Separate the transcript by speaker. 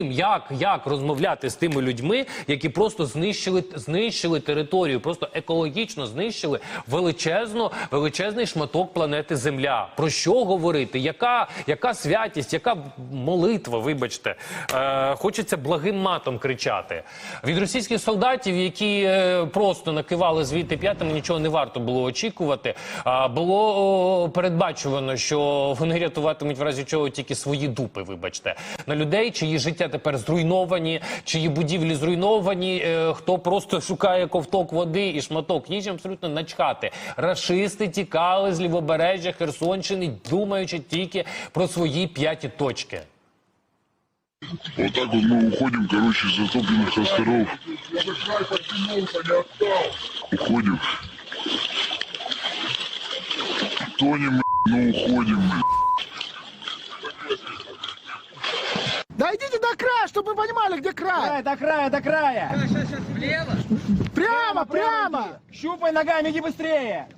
Speaker 1: Як розмовляти з тими людьми, які просто знищили територію, просто екологічно знищили величезний шматок планети Земля. Про що говорити? Яка святість, яка молитва, вибачте. Хочеться благим матом кричати. Від російських солдатів, які просто накивали звідти п'ятами, нічого не варто було очікувати. Було передбачувано, що вони рятуватимуть в разі чого тільки свої дупи, вибачте. На людей, чиї життя тепер зруйновані, чиї будівлі зруйновані, хто просто шукає ковток води і шматок їжі, абсолютно начхати. Рашисти тікали з лівобережжя Херсонщини, думаючи тільки про свої п'яті точки.
Speaker 2: Вот так вот мы уходим, короче, с затопленных островов. Уходим. Тонем, но уходим.
Speaker 3: Дойдите до края, чтобы вы понимали, где край.
Speaker 4: До края, до края.
Speaker 3: Прямо.
Speaker 4: Щупай ногами, иди быстрее.